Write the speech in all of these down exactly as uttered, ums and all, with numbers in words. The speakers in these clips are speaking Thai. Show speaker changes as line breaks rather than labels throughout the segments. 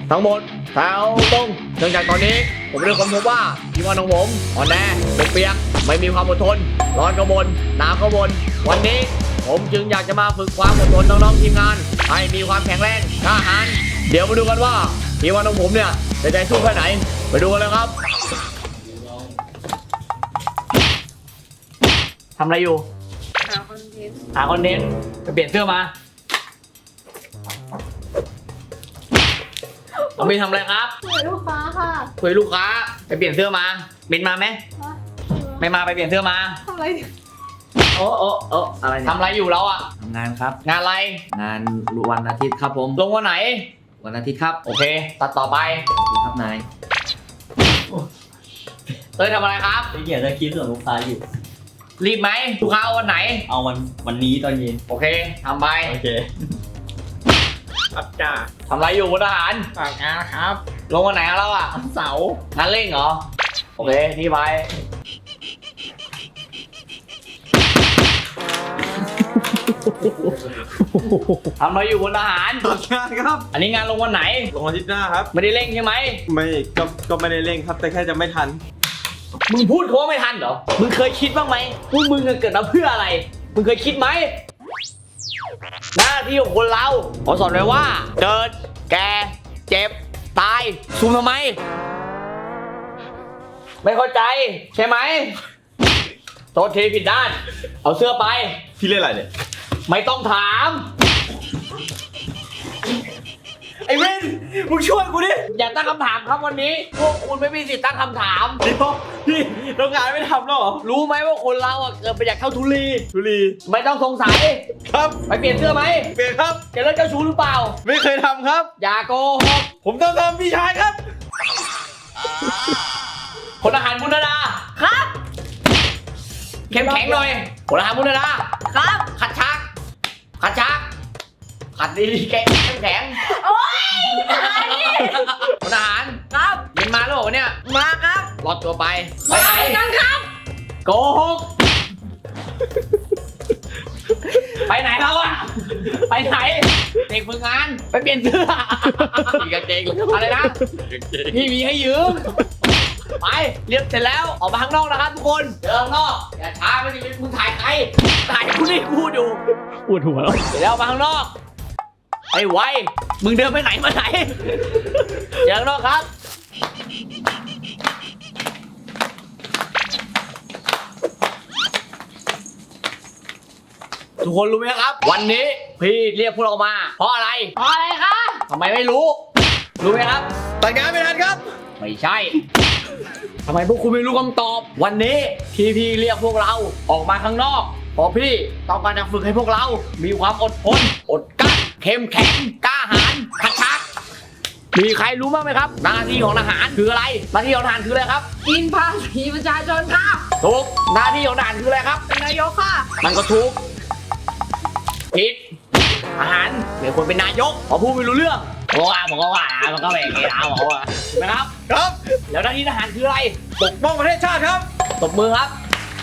ทั้งหมดแถวตรงเนื่องจากตอนนี้ผมเริ่มค้นพบว่าทีมงานของผมอ่อนแอปกเปียกไม่มีความอดทนร้อนก็บนหนาวก็บนวันนี้ผมจึงอยากจะมาฝึกความอดทนน้องๆทีมงานให้มีความแข็งแรงกล้าหาญเดี๋ยวมาดูกันว่าทีมงานของผมเนี่ยจะใจสู้แค่ไหนไปดูกันเลยครับทำอะไรอยู่หาคอนเทนต์หาคอนเทนต์ไปเปลี่ยนเสื้อมาเอาไปทำอะไรครับ
คุยลูกค้าค่ะ
คุยลูกค้าไปเปลี่ยนเสื้อมาบินมาไหมไม่มาไปเปลี่ยนเสื้อมา
ทำอะไร
โอ้โอ้โอ้อะไรทำอะไรอยู่เราอะ
ทำงานครับ
งานอะไร
งานวันอาทิตย์ครับผม
ลงวันไหน
วันอาทิตย์ครับ
โอเคตัดต่อไป
ครับนาย
เต้ยทำอะไรครับ
ไปเขียนสคริปต์ส่งลูกค้าอยู่
รีบไหมลูกค้าเอาวันไหน
เอาวันวันนี้ตอนเย็น
โอเคทำไป
โอเค
ครับจ้าทำอะไรอยู่บนทหาร
ฝากงานครับ
ลงวันไหนแล้วอะ
เสาร์
งานเร่งเหรอโอเคที่ไปทำอะไรอยู่บนทหาร
ฝากงานครับ
อันนี้งานลงวันไหน
ลงวันอาทิตย์หน้าครับ
ไม่ได้เร่งใช่ไหม
ไม่ก็ก็ไม่ได้เร่งครับแต่แค่จะไม่ทัน
มึงพูดเขาว่าไม่ทันเหรอมึงเคยคิดบ้างไหมว่ามึงเกิดมาเพื่ออะไรมึงเคยคิดไหมหน้าที่ของคนเราขอสอนไว้ว่าเกิดแก่เจ็บตายซูมทำไมไม่เข้าใจใช่ไหมโทษทีผิดด้านเอาเสื้อไป
พี่เล่นอะไรเนี่ย
ไม่ต้องถาม
ไอ้เว้นมึงช่วยกูดิ
อย่าตั้งคำถามครับวันนี้พวกคุณไม่มีสิทธิ์ตั้งคำถาม
เดี๋ยวพี่โรงงานไม่ทำหรอ
รู้ไหมว่าคนเราอ่ะเกิดมาจากเท่าทุลี
ทุลี
ไม่ต้องสงสัย
ครับ
ไปเปลี่ยนเสื้อไหม
เปลี่ยนครับ
จะเลิกเจ้าชู้หรือเปล่า
ไม่เคยทำครับ
อย่าโกหก
ผมต้องทำพี่ชายครับ
พลทหารบุญดาครับเข้มแข็งหน่อยพลทหารบุญดาครับขัดชักขัดชักขัดดีๆแข็งเข้มแข็ง
โอ๊ย
พลทหาร
ครับ
ยินมาแล้วเหรอเนี่ย
มาครับ
รอดตัวไป
ไปไหนกันครับ
โกหกไปไหนแล้วอะไปไหนเด็กฝึกงานไปเปลี่ยนเสื้อมีกางเกงอะไรนะพี่มีให้ยืมไปเรียบเสร็จแล้วออกมาข้างนอกนะครับทุกคนเดินข้างนอกอย่าช้าไม่ดิมึงถ่ายใครถ่ายกูนี่พูดอยู่
ปวดหัวแล้ว
เสร็จแล้วออกมาข้างนอกไอ้ไวมึงเดินไปไหนมาไหนเดินข้างนอกครับทุกคนรู้ไหมครับวันนี้พี่เรียกพวกเรามาเพราะอะไร
เพราะอะไรคะ
ทำไมไม่รู้รู้ไหมครับ
แต่งงานไม่ทันครับ
ไม่ใช่ทำไมพวกคุณไม่รู้คำตอบวันนี้พี่พี่เรียกพวกเราออกมาข้างนอกเพราะพี่ต้องการจะฝึกให้พวกเรามีความอดทนอดกลั้นเข้มแข็งกล้าหาญขัดชักมีใครรู้บ้างไหมครับหน้าที่ของทหารคืออะไรหน้าที่ของทหารคืออะไรครับ
กินภาษีประชาชนค่ะ
ถูกหน้าที่ของทหารคืออะไรครับ
เป็นนายกค่ะ
มันก็ถูกผิดทหารไม่ควรเป็นนายกเพราะพูดไม่รู้เรื่องโอ้อาบอกว่าว่ามันก็แบบนี้นะบอกว่าถูกไหมครับ
ครับ
แล้วหน้าที่ทหารคืออะไร
ปกป้องประเทศชาติครับ
ตบมือครับ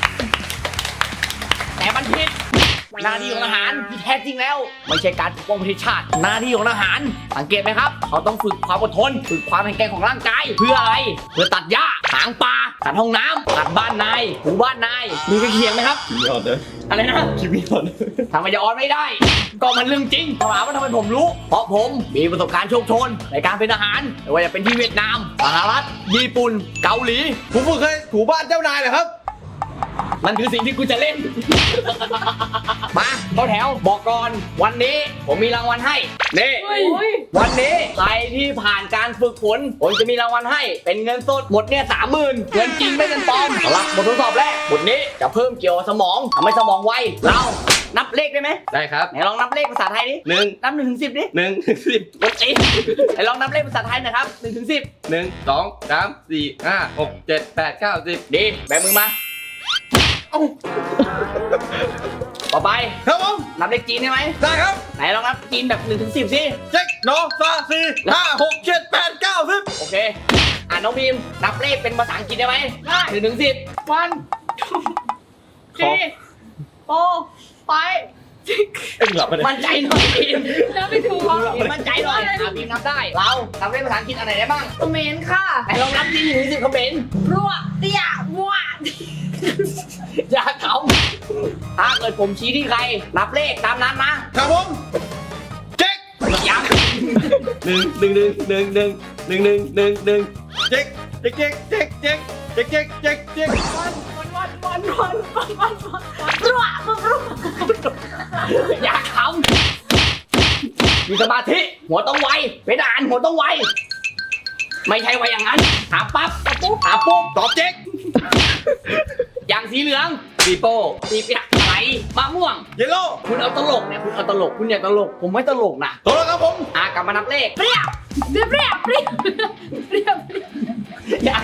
แต่มันผิดหน้าที่ของทหารที่แท้จริงแล้วไม่ใช่การปกป้องประเทศชาติหน้าที่ของทหารสังเกตไหมครับเขาต้องฝึกความอดทนฝึกความแข็งแกร่งของร่างกายเพื่ออะไรเพื่อตัดหญ้าถางป่าตัดห้องน้ำตัดบ้านนายหมู่บ้านนายมีกระเคียงไหมครับ
คิมิออนเลย
อะไรนะ
คิมิออน
ทำไมจะออนไม่ได้ก็มันเรื่องจริงถามว่าทำไมผมรู้เพราะผมมีประสบการณ์โชคโชนในการเป็นทหารไม่ว่าจะเป็นที่เวียดนามสหรัฐญี่ปุ่นเกาหลี
ผมเคยถูบ้านเจ้านายเหรอครับ
มันคือสิ่งที่กูจะเล่น มาเข้าแถวบอกก่อนวันนี้ผมมีรางวัลให้นี่วันนี้ใครที่ผ่านการฝึกฝนผมจะมีรางวัลให้เป็นเงินสดหมดเนี่ยสามหมื่นเงินจริงไม่เงินปลอมสำหรับบททดสอบแรกบทนี้จะเพิ่มเกี่ยวกับสมองทำให้สมองไวเรานับเลขได้ไหม
ได้ครับ
ไหนลองนับเลขภาษาไทยดิ
หนึ่ง
นับหนึ่งถึงสิบดิ
หนึ่งถึงสิบ
กดตีไหนลองนับเลขภาษาไทยหน่อยครับหนึ่งถึงสิบ
หนึ่งสองสามสี่ห้าหกเจ็ดแปดเก้าสิบ
ดีแบมือมาต่อไป
ครับผม
นับเลขจีนได้ไหม
ได้ครับ
ไหนลองนับจีนแบบหนึ่งถึงสิบสิ
เจ็ดโนซาสี่ห้าหกเจ็ดแปดเก้าสิบ
โอเคอ่านน้องพิมนับเลขเป็นภาษาอังกฤษได้ไหมได้หนึ่งถึงสิบ
วันทีโฟไฟ
เอ็งหลับไปเลย
มั่นใจหน่อยบีม
แล้วไม่ถูกเหรอ
บีมมั่นใจหน่อยอ่ะบีมนับได้ เราทำได้ภาษาอังกฤษอะไรได้บ้าง
คอมเมนต์ค่ะ
ไหนลองนับที่หนึ่งถึงสิบคอมเมนต์
รัวเตี้ยมัว
อย่าเขาถ้าเกิดผมชี้ที่ใคร นับเลขตามนั้นนะครับ
ผมเจ๊ก
ยังหนึ่งหนึ่งหนึ่งหนึ่งหนึ่งหนึ่งหนึ่งหนึ่งหนึ่ง
เจ๊กเจ๊กเจ๊กเจ๊กเจ๊กเจ๊กเจ๊กเจ๊กเจ๊ก
วันวันวันวันวันวันวันรัวรัว
อย่าขำมีสมาธิหัวต้องไวเป็นอ่านหัวต้องไวไม่ใช่ไวอย่างนั้นถามปั๊บตอบปุ๊บถามปุ๊บ
ตอบเจ๊ก
อย่างสีเหลืองปีโป้ปีเปียกอะไรมะม่วง
เยลโล่
คุณเอาตลกเนี่ยคุณเอาตลกคุณอย่าตลกผมไม่ตลกนะ
ตกแล้วครับผม
อ่ะกลับมานับเลข
เปรี้ยวเปรี้ยวเปรี้ยวเปรี้ยวเปรี้ยว
อย่า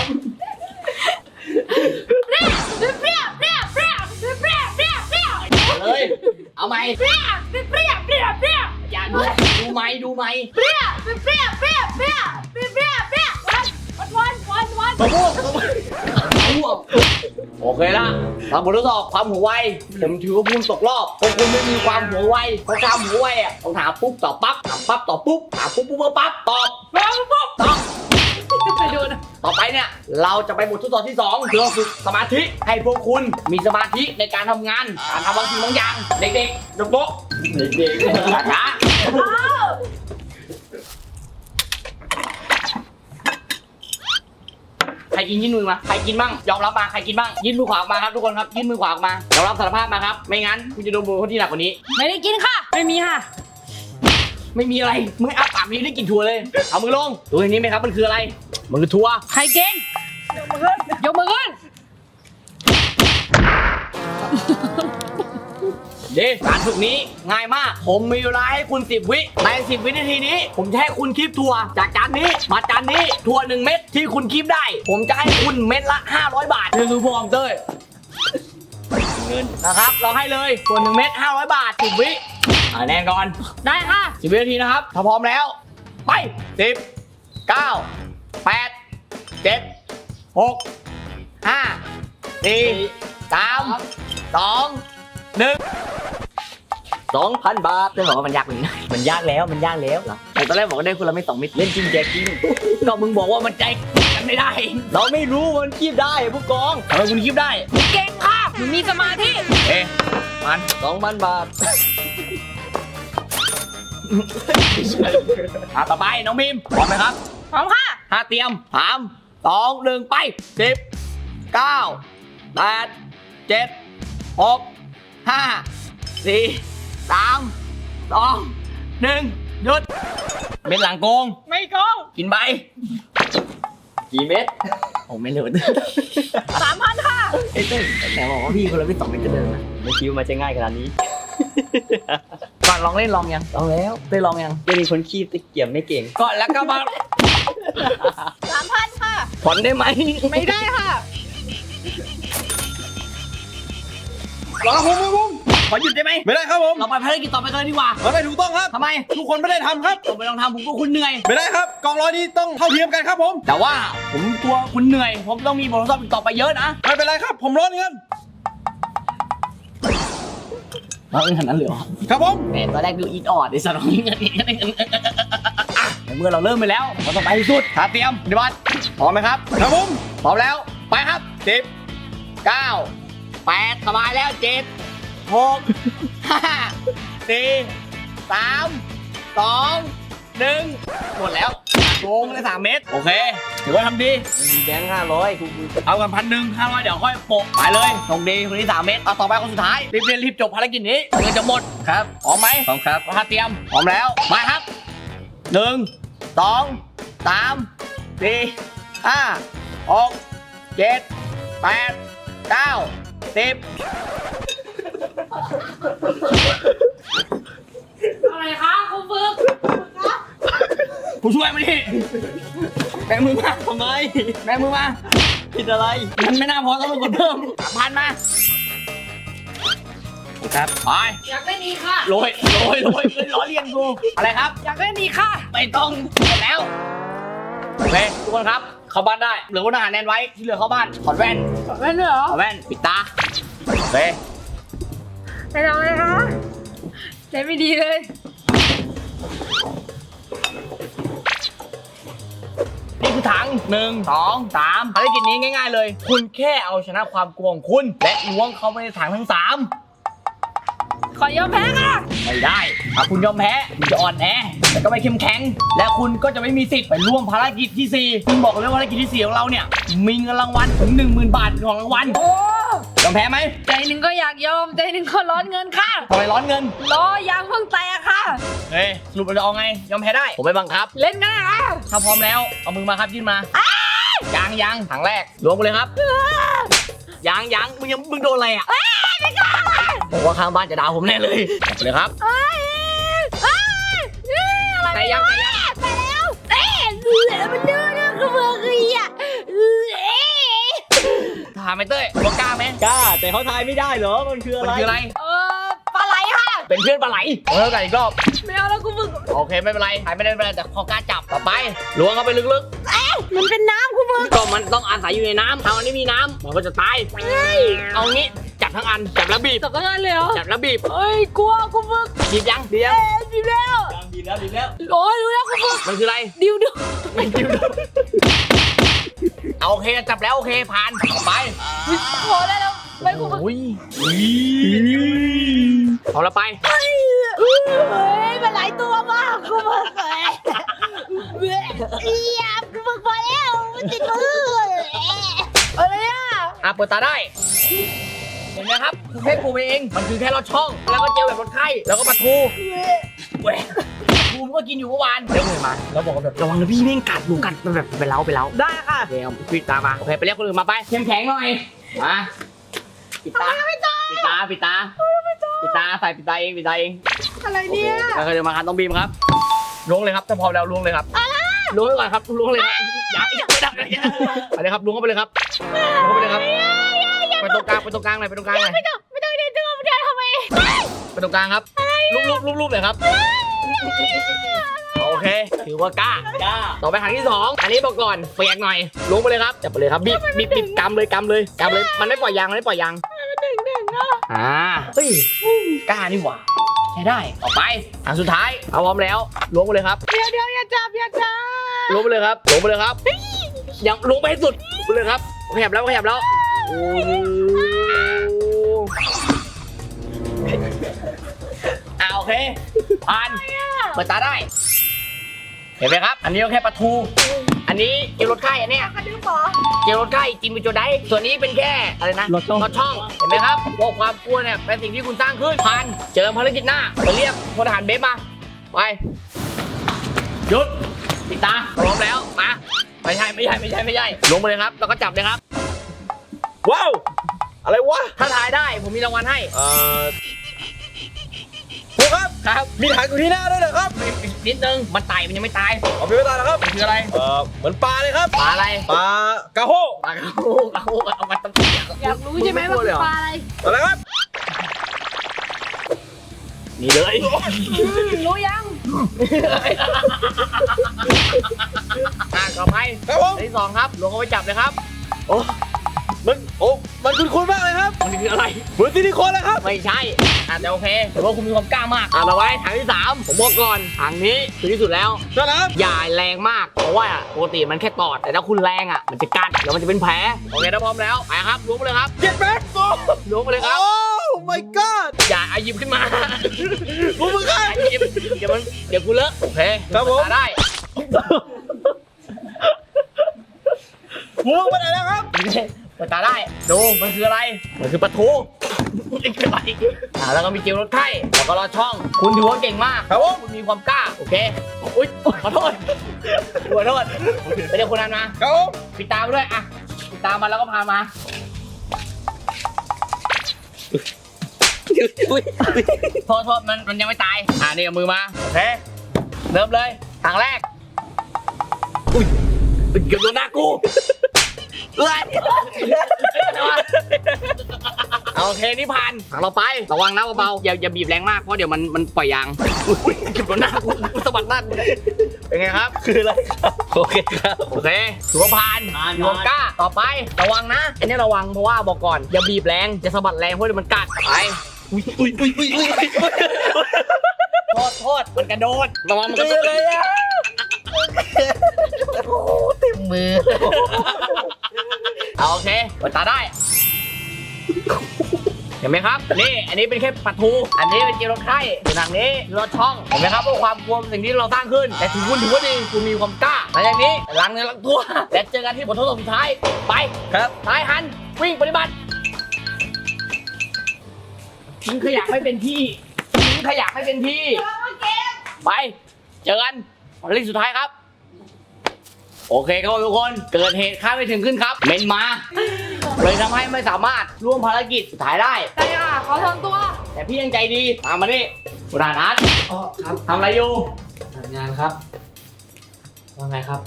เปรี้ยวเปรี้ยวเปรี้ยวเปรี้ยวเปรี้ยวเปรี้ยวเปรี้ยว
เลยเอาไหม
เปรี้ยวเปรี้ยวเปรี้ยวเปรี้ยว
อย่าดูดูไหมดูไหม
เปรี้ยวเปรี้ยวเปรี้ยวเปรี้ยวเปรี้ยวเปรี้ยวเปรี้ยววันวันวันวัน
มะม่วงมะม่วง
มะม่วงโอเคละทำบททดสอบความหัวไวผมถือว่าคุณตกรอบเพราะคุณไม่มีความหัวไวเพราะความหัวไวอ่ะต้องถามปุ๊บตอบปั๊บถามปั๊บตอบปุ๊บถามปุ๊บปุ๊บปุ๊บปั๊บตอบปั๊บปุ๊บตอบ
ไปดูนะ
ต่อไปเนี่ยเราจะไปบททดสอบที่สองเพื่อฝึกสมาธิให้พวกคุณมีสมาธิในการทำงานการทำบางสิ่งบางอย่างเด็กๆยกโต๊ะเด็กๆช้า
อ้าว
ใครกินยื่นมือมาใครกินบ้างยอมรับมาใครกินบ้างยื่นมือขวาออกมาครับทุกคนครับยื่นมือขวาออกมายอมรับสารภาพมาครับไม่งั้นคุณจะโดนบุญคนที่หนักกว่านี้
ไม่ได้กินค่ะ ไม่มีค่ะ
ไม่มีอะไรมึงอ้าปากนี้ได้กินถั่วเลยเอามือลงดูอย่างนี้ไหมครับมันคืออะไรมันคือถั่ว
ใครกินยกมือขึ้น
เด้การฝึกนี้ง่ายมาก ผมมีเวลาให้คุณสิบวิในสิบวินาทีนี้ ผมจะให้คุณคีบถั่วจากจานนี้มาจานนี้ถั่วหนึ่งเม็ดที่คุณคีบได้ ผมจะให้คุณเม็ดละห้าร้อยบาทนี่คือพวงเต้ยเงินนะครับเราให้เลยถั่วหนึ่งเม็ดห้าร้อยบาทสิบวิอ่าแน่นก่อน
ได้ค่ะ
สิบวินาทีนะครับถ้าพร้อมแล้ว ไปสิบเก้าแปดเจ็ดหกห้าสี่สามสองหนึ่งสองพันบาทจะบอกว่ามันยากกว่านี้นะมันยากแล้วมันยากแล้วเหรอแต่ตอนแรกบอกว่าได้คนละไม่สองมิตรเล่นจริงแจกจริงก็มึงบอกว่ามันใจกันไม่ได้ เราไม่รู้มันคีบได้ผู้กองทำไมคุณคีบได้
เก่งค่ะหนูมีสมาธิ
เอ๊ะมันสองพันบาทอ่ะต่อไปน้องมิมพร้อมไหมครับ
พร้อมค่ะ
ห้าเตรียมสามสองหนึ่งไปสิบเก้าแปดเจ็ดหกห้าสี่สามสองหนึ่งหยุดเม็ดหลังโกง
ไม่โกง
กินใบกี่เม็ดโอ้ไม่เหลือ
สามพันค่ะ
ไอ้เต้นแต่บอกว่าพี่คนละไม่สองเม็ดจะเดินนะ
ไม่คิดว่ามันจะง่ายขนาดนี้
ก่อนลองเล่นลองยังลองแล้วเต้ยลองยัง
จะมีคนขี้ตะเกียบไม่เก่ง
ก่อนแล้วก็มา
สามพันค่ะ
ผ่อนได้ไหม
ไม่ได้ค่ะ
รอผมผมผม
ขอหยุดได้ไหม
ไม่ได้ครับผม
เราไปภารกิจต่อไปกันเลยดีกว่า
มันไม่ถูกต้องครับ
ทำไม
ทุกคนไม่ได้ทำครับ
ผมไปลองทำผมก็คุณเหนื่อย
ไม่ได้ครับกองร้อยนี้ต้องเท่าเทียมกันครับผม
แต่ว่าผมกลัวคุณเหนื่อย ผมต้องมีบททดสอบอีกต่อไปเยอะนะ
ไม่เป็นไรครับ ผมร้อนเงิน
เราเองขนาดนั้นเลยเหรอ
ครับผม
แหมตอนแรกดูอีดออดไอ้สัตว์ของเงินอ่ะแต่เมื่อเราเริ่มไปแล้วเราต้องไปให้สุดขาเตรียมปฏิบัติพร้อมไหมครับ
ครับผม
พร้อมแล้ว ไปครับสิบเก้าแปดสบายแล้วเจ็ดหกห้าสี่สามสองหนึ่งหมดแล้วโกงเลยสามเมตร โอเคถือว่าทำดี
มีแบงค์ห้าร้อยกู
เอากันพันหนึ่งห้าร้อยเดี๋ยวค่อยโปะไปเลยตรงดีคนที่สามเมตรเอาต่อไปคนสุดท้าย รีบเรียนรีบจบภารกิจนี้เงินจะหมดครับพร้อมไหม
พร้อมครับ
ถ้าเตรียมพร้อมแล้วมาครับหนึ่งสองสามสี่ห้าหกเจ็ดแปดเก้าสิบ
อะไรคะคุณฝึก
ผู้ช่วยมาดิแบงมือมาทำไมแบงมือมา
ผิดอะไร
มันไม่น่าพอต้องกดเพิ่มสามพันมาครับไป
อยากได้นี้ค่ะ
โรยโรยโรยขึ้นล้อเลียนกูอะไรครับ
อยากได้นี้ค่ะ
ไม่ต้องหมดแล้วโอเคทุกคนครับเข้าบ้านได้เหลือคนอาหารแนนไว้ที่เหลือเข้าบ้านถอดแว่น
ไม่เหรอ
ถอดแว่นปิดตาโอเค
ไปทำอะไรคะใจไม่ดีเลย
นี่คือถังหนึ่งสองสามภารกิจนี้ง่ายๆเลย คุณแค่เอาชนะความกลัวของคุณ และล้วงเข้าไปในถังทั้งสาม
ขอยอมแพ้ค่ะ
ไม่ได้ถ้าคุณยอมแพ้คุณจะอ่อนแอแต่ก็ไม่เข้มแข็ง และคุณก็จะไม่มีสิทธิ์ไปร่วมภารกิจที่สี่ซึ่งบอกเลยว่าภารกิจที่สี่ของเราเนี่ยมีเงินรางวัลถึง หนึ่งหมื่น บาทเป็นของรางวัล
โอ้
ยอมแพ้ไหม
ใจหนึ่งก็อยากยอมใจหนึ่งก็ร้อนเงินค่ะ
ทำไมร้อนเงิน
ล้อยางเพิ่งแตกค่ะ
เฮ้ยสรุปเราจะเอาไงยอมแพ้ได้ผมไม่บังคับ
เล่นกันค่ะ
ถ้าพร้อมแล้วเอามือมาครับยื่นมายังยังถังแรกล้วงไปเลยครับยังยังมึงยังมึงโดนอะไรอ่ะบอกว่าข้างบ้านจะด่าผมแน่เลยเอาไปเลยครับ
เอ้ยเอ้ยเอ้ยอะไร
แต่ยังแต่ยัง
ไปแล้วเอ๊ะเหลือมันเดือดคือเบอร์กี้อ่ะเอ๊ะ
ถามไอ้เต้ยว่ากล้าไหม
กล้าแต่เขาทายไม่ได้เหรอมันคืออะ
มัน
ไร
คืออะไร
เออปลาไหลค่ะ
เป็นเพื่อนปลาไหลเออกันอีกรอบ
ไม่เอาแล้วกูมึง
โอเคไม่เป็นไรหายไม่ได้ไม่เป็นไรแต่พอกล้าจับต่อไปล้วงเข้าไปลึก
เอ๊ะมันเป็นน้ำกูมึง
ๆก็มันต้องอาศัยอยู่ในน้ำถ้ามันไม่มีน้ำมันก็จะตายเอางี้จับทั้งอันจับแล้วบีบ
ตกงานเลยเหรอ
จับแล้วบีบ
เอ้ยกลัวกูมึง
บีบยังเดียว
เอ๊ะดีแล้ว
ดีแล้วดีแล้ว
โอ้ยรู้แล้วกูมึง
มันคืออะไร
ดิวดิว
ไม่ดิวเอาโอเคจับแล้วโอเคผ่านไป
พอได้แล้วไปกูมึง
โอ้ยเอาละไป
เฮ้ยมันหลายตัวมากกูมึงเอ้ยเอียบกูมึงพอแล้วมันติดมืออะไรอ่ะ
อ่ะเปิดตาได้เห็นไหมครับคือแค่ปูเองมันคือแค่ลอดช่อง แล้วก็เจลแบบลดไข้แล้วก็ปลาทูแหวกปลาทูมันก็กินอยู่เมื่อวานเดี๋ยวเลยมาแล้วบอกว่าแบบระวังนะพี่แม่งกัดหนูกัดมันแบบไปเล้าไปเล้า
ได้ค่ะ
โอเคเอาปิดตามาโอเคไปเรียกคนอื่นมาไปเข้มแข็งหน่อยมาปิดตาปิดตาปิดตาปิดตาใส่ปิดตาเองปิดตาเอง
อะไรเนี่ย
โอเคเดี๋ยวมาครับต้องบีมครับล้วงเลยครับถ้าพร้อมแล้วล้วงเลยครับล้วงไปก่อนครับล้วงเลยครับอย่าอย่าไม่ได้ไปเลยครับล้วงเข้าไปเลยครับล้วงเข้าไปเลยครับไปตรงกลางไปตรงกลางหน่อยไปตรงกลางหน่อย
ไม่ต้องไม่ต้องเดินตัวไม่ได้ทำไม
ไปตรงกลางครับรูปรูปรูปรูปเลยครับโอเคถือว่ากล้าก
ล้า
ต่อไปครั้งที่สองอันนี้บอกก่อนเปียกหน่อยล้วงไปเลยครับจับไปเลยครับบีบบีบบีบกำเลยกำเลยกำเลยมันไม่ปล่อยยางมันไม่ปล่อยยาง
หนึ่งหนึ่งอ่ะ
อ่าเฮ้ยกล้านี่หว่าใช้ได้ต่อไปอันสุดท้ายเอาพร้อมแล้วล้วงไปเลยครับ
เดี๋ยวเดี๋ยวอย่าจับอย่าจับ
ล้วงไปเลยครับล้วงไปเลยครับยังล้วงไปให้สุดไปเลยครับขยับแล้วขยับแล้วโอ้อ่าโอเคผ่านเปิดตาได้เห็นไหมครับ อันนี้ก็แค่ปลาทู อันนี้เจลลดไข้อันเนี้ย
กระดึ๊บหรอ
เจลลดไข้จิมบิโจไดส่วนนี้เป็นแค่อะไรนะ
ลดช่อง
ลดช่องเห็นไหมครับว่าความกลัวเนี่ยเป็นสิ่งที่คุณสร้างขึ้นผ่านเจอภารกิจหน้าไปเรียกพลทหารเบฟมาไปหยุดปิดตาพร้อมแล้วมาไม่ใช่ไม่ใช่ไม่ใช่ไม่ใช่ลงไปเลยครับแล้วก็จับเลยครับ
ว้าวอะไรวะ
ถ้าทายได้ผมมีรางวัลให้
เอ่อครูครับ
ครับ
มีถังอยู่ที่หน้าด้วยเหรอครับ
นิดนึงมันไต่มันยังไม่ตาย
เอาไปไม่ตายนะครับ
มันคืออะไร
เอ่อเหมือนปลาเลยครับ
ปลาอะไร
ปลากระโฮ
ปลากระโหกกระโหกเอามาตั้ง
อยากรู้ใช่ไหมว่าคือปลาอะไร
อะไรครับ
นี่เลย
รู้ยัง
อ่ะต่อไป
ครับผม
อันที่สองครับลงเอาไปจับเลยครับ
โอ้มันโอ้มันคุ้นๆมากเลยครับ
มันคืออะไร
เหมือนซิลิโคนเลยครับ
ไม่ใช่อ่ะแต่โอเคแต่ว่าคุณมีความกล้ามากอ่ะมาไว้ถังที่สามผมบอกก่อนถังนี้คือที่สุดแล้ว
นั่นแหละครับ
อย่าแรงมากเพราะว่าปกติมันแค่ตอดแต่ถ้าคุณแรงอ่ะมันจะกัดแล้วมันจะเป็นแผลโอเคถ้าพร้อมแล้วไปครับล้วงไปเลยครับ
เจ็ดแม็กโอ้
ล้วงไปเลยครับ
โอ้ my god
อย่าเอาหยิบขึ้นมา
กูมึงครับ
อย่าหยิบเดี๋ยวมันเดี๋ยวกูเลอะโอเค
ครับผม
เปิดตาได้
กูไปไหนแล้วครับ
เปิดตาได้ดูมันคืออะไรมันคือปลาทูนี่คืออะไรอ่าแล้วก็มีเจลลดไข้แล้วก็รอดช่อง คุณถือว่าเก่งมาก
ครับผม
คุณมีความกล้าโอเคอุ้ยขอโทษขอโทษไปเรียกคนนั้นมา
ครับผม
ปิดตามาด้วยอ่ะปิดตามาแล้วก็พามาโทษโทษมันมันยังไม่ตายอ่านี่เอามือมาโอเคเริ่มเลยทางแรกอุ้ยเกือบโดนหน้ากูเลยเอาโอเคนี่ผ่านทางเราไประวังนะเบาๆอย่าอย่าบีบแรงมากเพราะเดี๋ยวมันมันปล่อยยางอุ้ยเกือบโดนหน้ากูสะบัดหน้ากูเป็นไงครับ
คืออะไรครับโอเคครับ
โอเคถือว่าผ่านถือว่ากล้าต่อไประวังนะอันนี้ระวังเพราะว่าบอกก่อนอย่าบีบแรงจะสะบัดแรงเพราะเดี๋ยวมันกัดไป
อุ้ยอุ้ยอุ้ยอุ้ยอุ้ย
โทษโทษมันกระโดดระวังมันกระโดดเลยอะ
เต็มมือ
เอาโอเคเปิดตาได้เห็นไหมครับนี่อันนี้เป็นแค่ปลาทูอันนี้เป็นเจลรถไข่ส่วนทางนี้รถช่องเห็นไหมครับว่าความกลัวเป็นสิ่งที่เราสร้างขึ้นแต่ถึงคุณถือว่าดีคุณมีความกล้าหลังจากนี้ล้างเนื้อล้างตัวและเจอกันที่บททดสอบสุดท้ายไป
ครับ
ซ้ายหันวิ่งปฏิบัติทิ้งขยะไม่เป็นที่ทิ้งขยะไม่เป็นที่ไปเจอกันวันที่สุดท้ายครับโอเคครับทุกคนเกิดเหตุคาดไม่ถึงขึ้นครับเมนมาเลยทำให้ไม่สามารถร่วมภารกิจสุดท้ายได้
ใช่ค่ะขอทำตัว
แต่พี่ยังใจดีตามมาดิบุรานัท
อ๋อครับ
ทำอะไรอยู่
ทำงานครับว่าไงครับ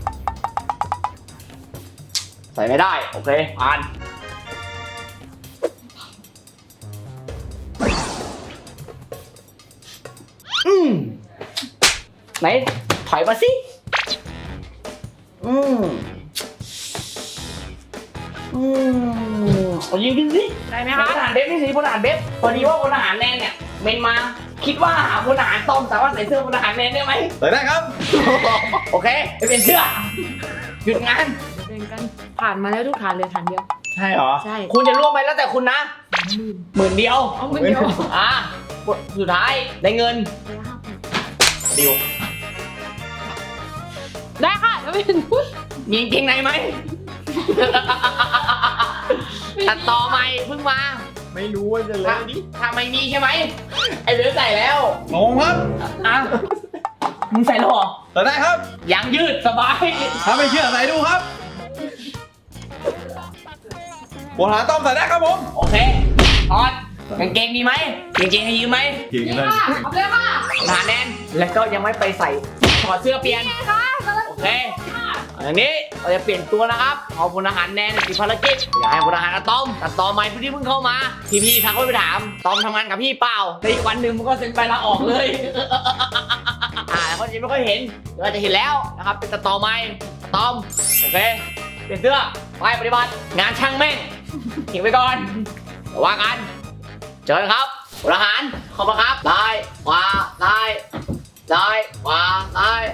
ใส่ไม่ได้โอเคผ่านอืมไหนถอยมาสิอืมอืมเอายิงขึ้นสิ
ได้ไหม
พล
คะ
ทหารเบฟนี่สิพลทหารเบฟพอดีว่าพลทหารแนนเนี่ยเมนมาคิดว่าหาพลทหารต้อมสามารถใส่เสื้อพลทหารแนนได้ไหม
เปิดได้ครับ
โอเคไปเปลี่ยนเสื้อหยุดงาน
เดินกันผ่านมาแล้วทุกฐานเลยฐานเดียว
ใช่เหรอ
ใช่
คุณจะร่วมไปแล้วแต่คุณนะหมื่นเดียว
เอาเงินเดียว
อ่ะสุดท้ายได้เงินดิว
ได้ค่ะแล้วไม่ถึงพูด
มีกางเกงในไหมตัดต่อใหม่เพิ่งมา
ไม่รู้ว่าจะเล่
ถ้าน
ดิ
ถ้าไม่มีใช่ไหมไอ้เหลือใส่แล้ว
งงครับ
อ่ะมึงใส่แล้วเหรอ
เปิดได้ครับ
ยางยืดสบาย
ถ้าไม่เชื่อใส่ดูครับบนหาต้อมใส่ได้ครับผม
โอเคออดกางเกงมีไหมกางเกงให้ยืมไหม
เก่ง
นี่
เลย
ค่ะเอาเลยค่ะ
หนาแน่นแล้วก็ยังไม่ไปใส่ถอดเสื้อเปลี่ยน
นี่ค่ะกำลัง
โอเคอย่างนี้เราจะเปลี่ยนตัวนะครับเอาพลทหารแนนติดภารกิจอยากให้พลทหารอะตอมตัดต่อใหม่ผู้ที่เพิ่งเข้ามาพี่พี่ๆทักเข้าไปถามตอมทำงานกับพี่เปล่าในอีกวันหนึ่งมันก็เซ็นใบลาออกเลย อ่าแล้วก็ยังไม่ค่อยเห็นเดี๋ยวอาจจะเห็นแล้วนะครับเป็นตัดต่อใหม่ตอมโอเคเปลี่ยนเสื้อไปปฏิบัติงานช่างแม่งทิ้งไปก่อนเดี๋ยวว่ากันเจอกันครับพลทหารขอบคุณครับซ้ายขวาซ้ายซ้ายขวาซ้าย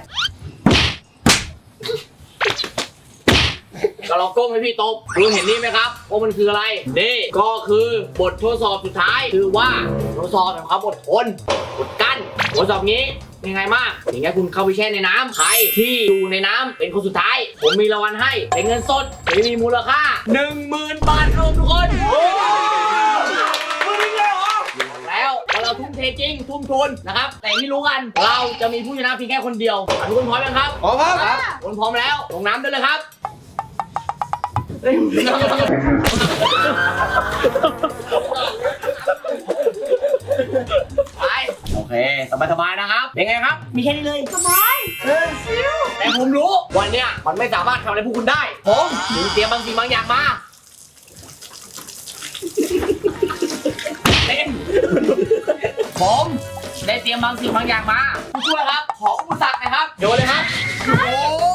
ก็ลองก้มให้พี่ตบดูเห็นนี่ไหมครับว่ามันคืออะไรนี่ก็คือบททดสอบสุดท้ายคือว่าทดสอบแบบความอดทนอดกั้นทดสอบนี้ยังไงมากอย่างเงี้ยคุณเข้าไปแช่ในน้ำใครที่อยู่ในน้ำเป็นคนสุดท้ายผมมีรางวัลให้เป็นเงินสดที่มีมูลค่าหนึ่งหมื่นบาทครับทุกคนแล้วว่าเราทุ่มเทจริงทุ่มทุนนะครับแต่ที่รู้กันเราจะมีผู้ชนะเพียงแค่คนเดียวทุกคนพร้อมไหมครับ
ขอครับ
คนพร้อมแล้วลงน้ำได้เลยครับไปโอเคสบายๆนะครับเป็นไงครับ มีแค่นี้เลยสบายเออซิวแต่ผมรู้วันเนี้ยมันไม่สามารถทำอะไรพวกคุณได้ ผมถึงเตรียมบางสิ่งบางอย่างมาเล่นผมได้เตรียมบางสิ่งบางอย่างมาผู้ช่วยครับขออุปสรรคหนะครับโยนเลยครับโอ้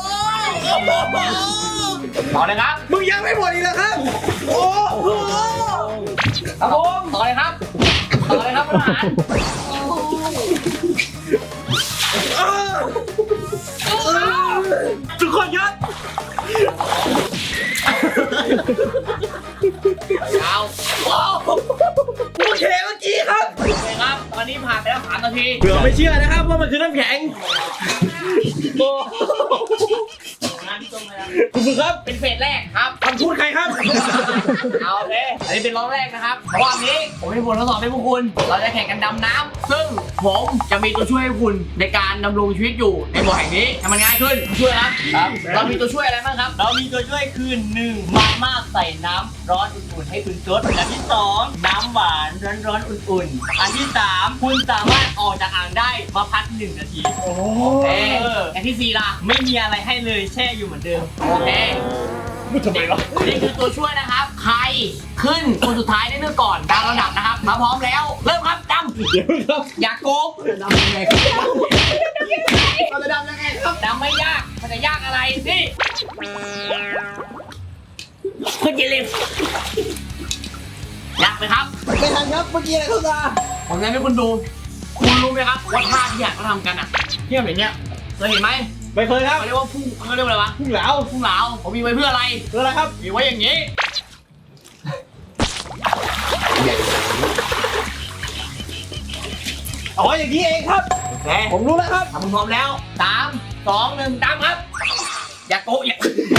ต่อเลยครับ
มึงยังไม่หมดอีกแล้วครับ โอ้โห
ครับผมต่อเลยครับต่อเลยครับทหาร
ทุกคนหยุด
ยาว
โอเคเมื่อกี้ครับ
โอเคครับ ตอนนี้ผ่านไปแล้วสามนาที
เผื่อไม่เชื่อนะครับว่ามันคือน้ำแข็งโอ้ คุณฝึกครับ
เป็นเฟสแรกครับ
คำพูดใครครับ
เอาโอเคอันนี้เป็นรอบแรกนะครับเพราะว่าวันนี้ผมมีบททดสอบให้พวกคุณ เราจะแข่งกันดำน้ำซึ่งผมจะมีตัวช่วยให้คุณในการดำรงชีวิตอยู่ในบ่อแห่งนี้ให้มันง่ายขึ้นช่วยครับครับ เรามีตัวช่วยอะไรบ้างครับ
เรามีตัวช่วยคือหนึ่งมาม่าใส่น้ำร้อนอุ่นๆให้คุณซดอันที่สองน้ำหวานร้อนๆอุ่นๆอันที่สามคุณสามารถออกจากอ่างได้มาพักหนึ่งนาที
โอเคอย่างที่สี่ล่ะ
ไม่มีอะไรให้เลยแช่อยู่เหมือนเดิม
โอเคเด็กนี่คือตัวช่วยนะครับ ใครขึ้นคนสุดท้ายได้เลือกก่อนตามลำดับนะครับ มาพร้อมแล้ว เริ่มครับดำเดี๋ยวครับอยากโกงดำยังไงเราจะดำยังไงครับดำไม่ยาก มันจะยากอะไรนี่คุณอย่าลืมยากไหมครับ
ไม่ทันครับเมื่อกี้อะไรเข้าตา
ผมจะให้คุณดู คุณรู้ไหมครับว่าท่าที่อยากเขาทำกันอ่ะที่แบบเนี้ยเคยเห็นไหม
ไม่เคยครับ
เขาเรียกว่าพุ่งเขาเรียกว่าอะไรวะ
พุ่งเหลา
พุ่งเหลาผมมีไว้เพื่ออะไร
คืออะไรครับ
มีไว้อย่างนี้
อ๋ออย่างนี้เองครับ
โอเค
ผมรู้แล้วครับ
ถ้าคุณพร้อมแล้วสามสองหนึ่งตามครับ อย่าโกะอย่า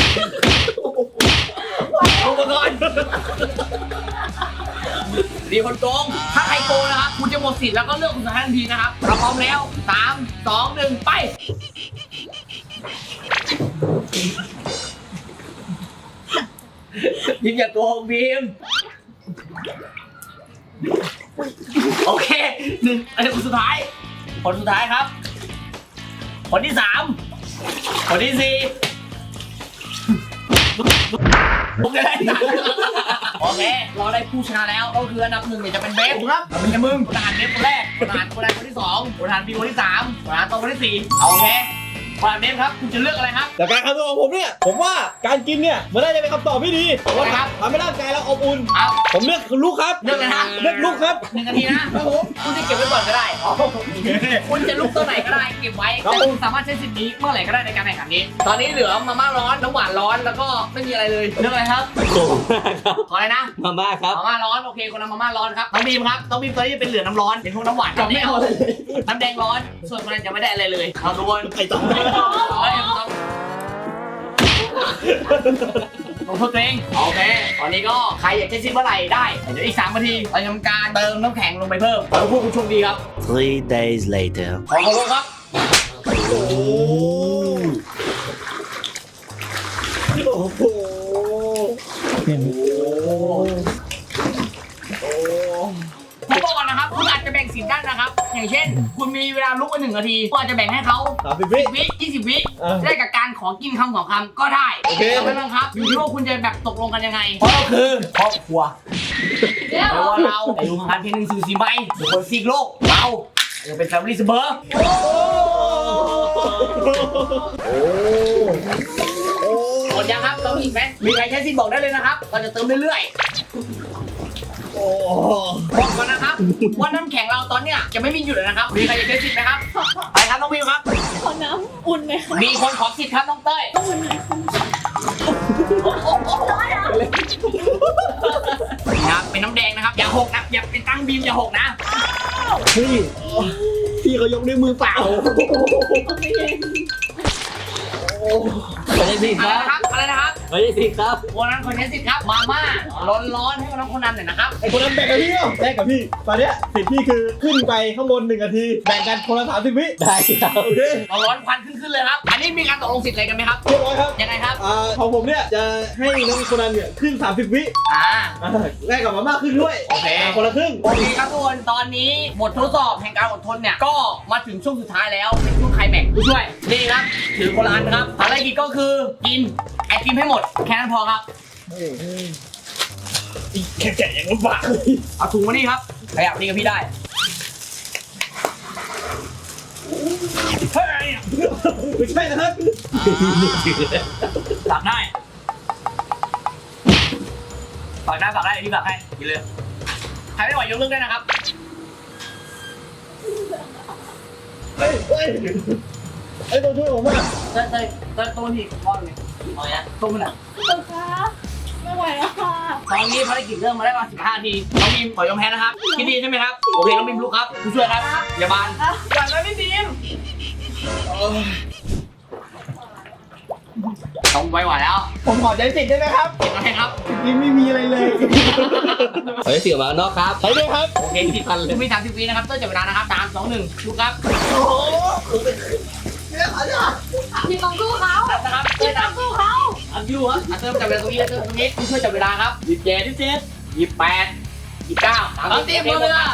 โกงก่อนดีคนโกงถ้าใครโกงนะครับคุณจะหมดสิทธิ์แล้วก็เลือกคุณสุดท้ายทันทีนะครับถ้าพร้อมแล้วสามสองหนึ่งไปบีมอย่าโกงบีมโอเคหนึ่งอันนี้คนสุดท้ายคนสุดท้ายครับ คนที่สามคนที่สี่ผมจะได้ตังค์โอเค เราได้ผู้ชนะแล้วก็คืออันดับหนึ่งเนี่ยจะเป็นเบฟครับไม่ใช่มึงทหารเบฟคนแรกทหารคนแรกคนที่สองทหารบีคนที่สามทหารตองคนที่สี่โอเคทหารเบฟครับคุณจะเลือกอะไรครับ
แต่การคำนวณของผมเนี่ย ผมว่าการกินเนี่ยมันน่าจะเป็นคำตอบที่ดีเพราะว่า
ครับ
ทำให้ร่างกายเราอบอุ่น
เอา
ผมเลือกลูกครับ
เลือกเลยนะ
เลือกลูกครับ
หนึ่งนาทีนะครับผมคุณจะเก็บไว้ก่อนก็ได้คุณจะลุกตัวไหนก็ได้เก็บไว้
ครับ
แต่คุณสามารถใช้สิทธิ์นี้เมื่อไหร่ก็ได้ในการแข่งขันนี้ ตอนนี้เหลือมาม่าร้อนน้ำหวานร้อนแล้วก็ไม่มีอะไรเลยเลือกอะไรครับ
โกงมากครับ
ขออะไรนะ
มาม่าครับ
มาม่าร้อนโอเคคนทำมาม่าร้อนครับน้องบีมครับน้องบีมตอนนี้เป็นเหลือน้ำร้อนเป็นพวกน้ำหวานกับไม่เอาน้ำแดงร้อนส่วนคนนั้นจะไม่ได้อะไรเลยเอาทุกคน
ไอ้ต่อ
เฮ้ยต้องลงโทษตัวเองโอเคตอนนี้ก็ใครอยากจะซิมเมื่อไหร่ได้เดี๋ยวอีกสามนาทีเราจะทำการเติมน้ำแข็งลงไปเพิ่มขอให้พวกคุณโชคดีครับ
Three days later.
ขอขอบคุณครับ
โอ้โหโอ้โห
ผมบอกก่อนนะครับคุณอาจจะแบ่งสินได้นะครับ อย่างเช่น คุณมีเวลาลุกไปหนึ่งนาทีคุณอาจจะแบ่งให้เขา
สามสิบวิ
สิบวิยี่สิบวิ
เออ
ได้กับการขอกินคำสองคำก็ได้
โอเค
เราไม่บังคับอยู่ที่ว่าคุณจะแบบตกลงกันยังไง เพราะเราคือครอบครัวแปลว่าเราอายุห่างกันเพียงหนึ่งสื่อสี่ใบทุกคนซีกโลกเรายังเป็นแฟมิลี่เสมอ
โอ้โอ้
หมดยังครับเติมอีกไหมมีใครใช้สิทธิ์บอกได้เลยนะครับ เราจะเติมเรื่อย
โอ้
ๆบอกก่อนนะครับว่าน้ำแข็งเราตอนเนี้ยจะไม่มีหยุดเลยนะครับมีใครอยากใช้สิทธิ์ไหมครับไปครับน้องวิวครับ
ขอน้ำอุ่นไหมคะ
มีคนขอสิทธิ์ครับน้องเต้ย
อุ่นไหมคะ
ครับเป็นน้ำแดงนะครับอย่าหกนะอย่าเป็นตั้งบีมอย่าหกนะ
พี่พี่เขายกด้วยมือเปล่า
ไม่ได้สิ
อะไร
ครับ
นะครับอะไรนะครับ
ไม่ได้สิครับ
คนนั้นคนใช้สิทธิ์ครับมาม่าร้อนร้อนๆให้คนนั้นคนนั้นหน่อยนะครับ
ไอ้คนนั้นแบ่งกับพี่เนาะแบ่งกับพี่ ตอนเนี้ยสิทธิ์พี่คือขึ้นไปข้างบนหนึ่งนาที แบ่งกันคนละสามสิบวิ
ได้ครับ
โอเค
ร้อนร้อนๆควันขึ้นขึ้นเลยครับอันนี้มีการตกลงสิทธิ์อะไรกันไหมครับ
เรียบร้อยครับ
ยังไงครับ
อ่าของผมเนี่ยจะให้น้องคนนั้นเนี่ยขึ้นสามสิบวิ
อ่า
อ่าแลกกับมาม่าขึ้นด้วย
โอเค
อ่าคนละครึ่ง
โอเคครับทุกคนตอนนี้บททดสอบแห่งการอดทนเนี่ยก็มาถึงช่วงสุดท้ายแล้วเป็นช่วงไคลแม็กซ์ผู้ช่วยนี่ครับถือคนละอันนะครับภารกิจก็คือกินไอติมให้หมดแค่นั้นพอครับ
แค่แกะยังลำบากเลย
เอาถุงมานี่ครับขยับนี่กับพี่ได้
เฮ้ยไม่ใช่นะครับ
ฝากได้ฝากได้ฝากได้พี่ฝากให้กินเลยใครไม่ไหวยกเลิกได้นะครับ
เฮ้ยเฮ้ยไอ้ตัวช่วยผมอ่ะ
เต้ยเต้ยเต้ยต้นพี่ก้อนเลยเอาอย่างต้มมันอ่ะ
คุณคะไม่ไหวแล้วค่ะ
ตอนนี้ภารกิจเริ่มมาได้ประมาณสิบห้าทีน้องบีมขอยอมแพ้นะครับคิดดีใช่ไหมครับโอเคน้องบีมลุกครับผู้ช่วยครับอย่าบานอย่าเลยพี่บีมต้องไว้หวานแล้ว
ผมขอใจสิทธิ์ได้ไหมครับ
เก็บมาให้ครับ
ยังไม่มีอะไรเลย
เฮ้ยเสียงมานอกครับ
ใช้ด้วยครับ
โอเคผิดพันเลยมีสามสิบวินะครับเต้ยจับเวลานะครับสามสองหนึ่งลุกครับ
โอ้โหเนี่ยขอเนี่ย
พี่ต้องสู้เขา
นับนะครับเต้
พี่
ย
ต้
นั
อบ งสู้เขา
อัพยูครับอ่ะเติมจับเวลาตรงนี้เติมตรงนี้ผู้ช่วยจับเวลาครับยี่สิบเจ็ดยี่สิบเจ็ดยี่สิบแปดยี่สิบเก้าสามสิบหมดเวลา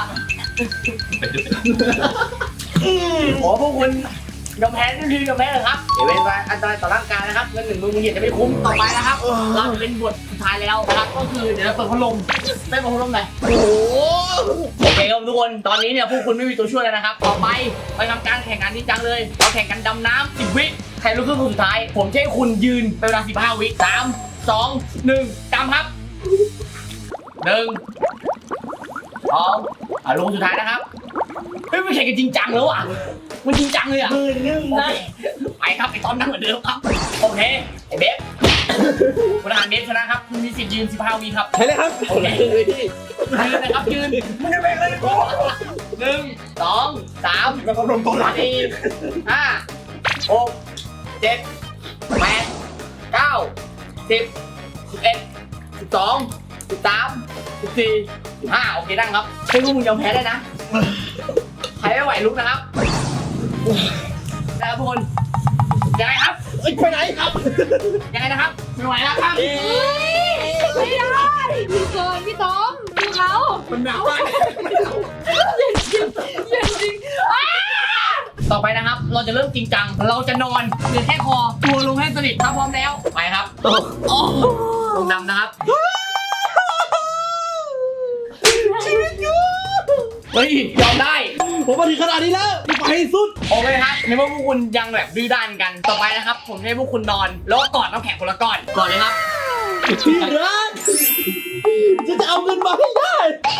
ขอพวกคุณยอมแพ้ทันทียอมแพ้เลยครับเดี๋ยวเป็นอันตรายต่อร่างกายนะครับเงินหนึ่งหมื่นมึงเห็นจะไม่คุ้มต่อไปนะครับ เราจะเป็นบทสุดท้ายแล้วนะครับก็คือเดี๋ยวเราเปิดพัดลมเต้นเปิดพัดลมหน่อย
โอ้โห
โอเคครับทุกคนตอนนี้เนี่ยพวกคุณไม่มีตัวช่วยแล้วนะครับต่อไปไปทำการแข่งขันจริงจังเลยเราแข่งกันดำน้ำสิบวิใครรู้ขึ้นคนสุดท้าย ผมจะให้คุณยืนเป็นเวลาสิบห้าวิสามสองหนึ่งดำครับหนึ่งสพร้อมอ่ะลงสุดท้ายนะครับเฮ้ยไม่แข่งกันจริงจังแล้วอ่ะมันจริงจังเลยอ่ะ
มือนึ่งนะ
ไปครับไอ้ตอนนั่งเหมือนเดิมครับโอเคไอ้เบฟคุณอาหารเบฟชนะครับคุณมีสิทธิ์ยืนสิบห้าวิครับ
ใช่เลยครับ
โอเคยืนนะครับยืนไม่ได้แบ่งเลยกูหนึ่งสองสาม
แล้วก็ลงตัวหลัง
สี่ห้าหกเจ็ดแปดเก้าสิบสิบเอ็ดสิบสองสิบสามสิบสี่สิบห้าโอเคนั่งครับให้พวกมึงยอมแพ้ได้นะใครไม่ไหวลุกนะครับนะครับทุกคนยังไงครับ
เอ้ยไปไหนครับ
ยังไงนะครับไม่ไหวแล้วครับ
ไม่ได้พี่เกินพี่ต้อมดูเขา
มันหนาวมาก
เย็นจริงเย็นจริงอ้า
ต่อไปนะครับ เราจะเริ่มจริงจังเราจะนอนเหลือแค่คอตัวลงให้สนิทถ้าพร้อมแล้วไปครับโอ้ลงดำนะครับเฮ้ยยอมได้
ผมมาถึงขนาดนี้แล้วไปให้สุด
โอเคครับในเมื่อพวกคุณยังแบบดื้อด้านกันต่อไปนะครับ ผมจะให้พวกคุณนอนแล้วก็กอดน้ำแข็งคนละก้อนก่อนเลยครับ
พี่รักจะจะเอาเงินมาให้ได้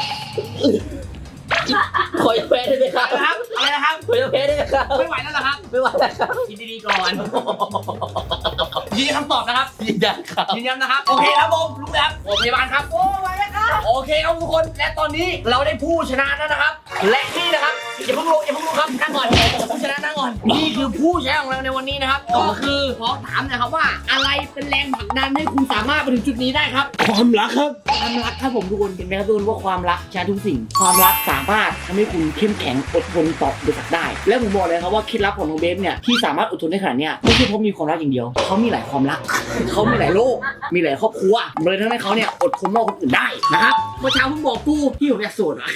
ขอแพ้ได้ไหมครั
อะ
บ
ไรนะครับอะไรนะครับ
ขอแพ้ได้ไหมครับ
ไม่ไหวแล้วเหรอครับ
ไม่ไหวแล้วครับ
คิดดีๆก่อนยืนยันคำตอบนะครับ
ยืนยันครับ
ยืนยันนะครับโอเคครับผมลุกแล้วโรงพยาบาลครับโอ้ไหวแล้วครับโอเคครับทุกคนและตอนนี้เราได้ผู้ชนะแล้วนะครับ และนี่นะครับอย่าเพิ่งลงอย่าเพิ่งลงครับนั่งก่อนผู้ชนะนั่งก่อนนี่คือผู้ชนะของเราในวันนี้นะครับก็คือขอถามหนะครับว่าอะไรเป็นแรงผลักดันให้คุณสามารถมาถึงจุดนี้ได้ครับ
ความรักครับ
ความรักครับผมทุกคนเห็นไหมครับทุกคนว่าความรักชนะทุกสิ่ง ความรักสามารถทำให้คุณเข้มแข็งอดทนต่ออุปสรรคได้ และผมบอกเลยครับว่าเคล็ดลับของน้องเบฟเนี่ยที่สามารถอดทนได้ขนาดเนี้ยไม่ใช่เพราะมีความรักอย่างเดียวเขามีหลายความรักเขามีหลายโลกมีหลายครอบครัวเลยทำให้เขาเนี่ยอดทนมากกว่าคนอื่นได้นะครับเมื่อเช้าผมบอกกูพี่ผมอยากโสดอ่ะ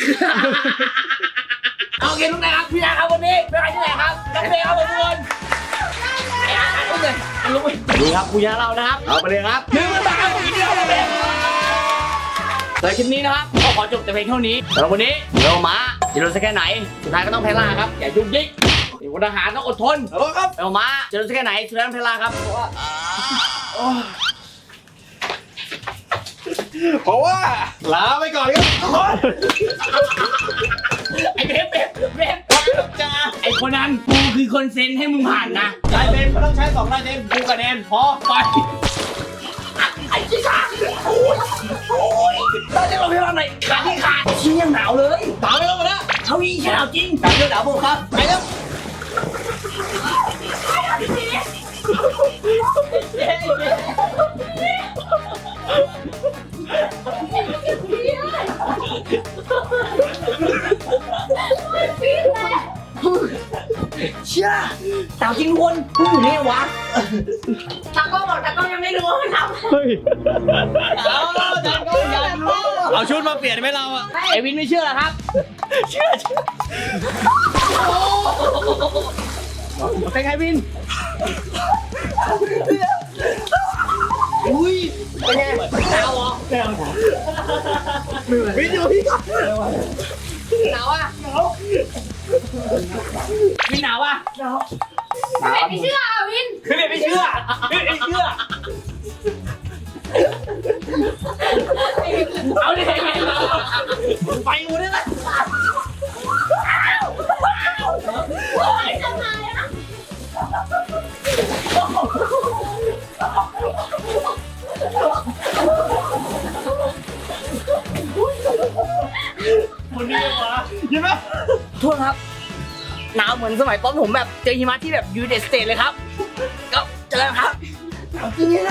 โอเคทุกท่านครับพี่นะครับวันนี้เป็นใครที่ไหนครับนักเรียนครับผมทุกคนไอ้อันอุ้มเลยอันลุกไปดีครับผู้ชนะเรานะครับเอาไปเลยครับหนึ่งหมื่นบาทครับผมยินดีครับผมในคลิปนี้นะครับก็ขอจบแต่เพียงเท่านี้สำหรับวันนี้เรามาจะโดนสักแค่ไหนสุดท้ายก็ต้องแพ้ล่าครับอย่ายุกยิกเป็นพลทหารต้องอดทน
ฮัลโหลครับ
เรามาจะโดนสักแค่ไหนสุดท้ายต้องแพ้ล่าครับเพราะว่า
เพราะว่าลาไปก่อนครับทุกคน
ไอ้เบฟเบฟเบฟจ้าไอ้คนนั้นกูคือคนเซ็นให้มึงผ่านนะ
ลายเซ็นมันต้องใช้สองลายเซ็น
กูกับแนนพอไปไอ้ที่ขาดโอ้ยโอ้ยตอนนี้เราไปทำไหนขาที่ขาดชี้ยังหนาวเลย
ตามไปแล้วหมดแล้ว
เขาอีหนาวจริงหนาวเยอะหนาวโบครับไปแล้ว เชื่อสาวจริงทุกคนพูดอยู่นี่วะ
ตากล้องบอกตากล้องยังไม่รู้ว่ามันทำ
เฮ้ย
เอาจันก็อยากรู้
เอาชุดมาเปลี่ยนไหมเราอะ
ไอวินไม่เชื่อเหรอครับ เชื่อเชื่อเป็นไงวินอุ้ยเป็นไงหนาวเหรอ
วินอยู่พี่ก่อน
หนาวอ่ะวินหนาวอ่ะ
ไม่เชื่อวิน
คือไม่เชื่อไม่เชื่อเอาดิไปกูได้ไหม
ทำไมอะ
คนนี้วะยินไหม
โทษครับหนาวเหมือนสมัยตอนผมแบบเจอหิมะที่แบบยูเดสเตทเลยครับก็เจอกันครับจริงๆนะ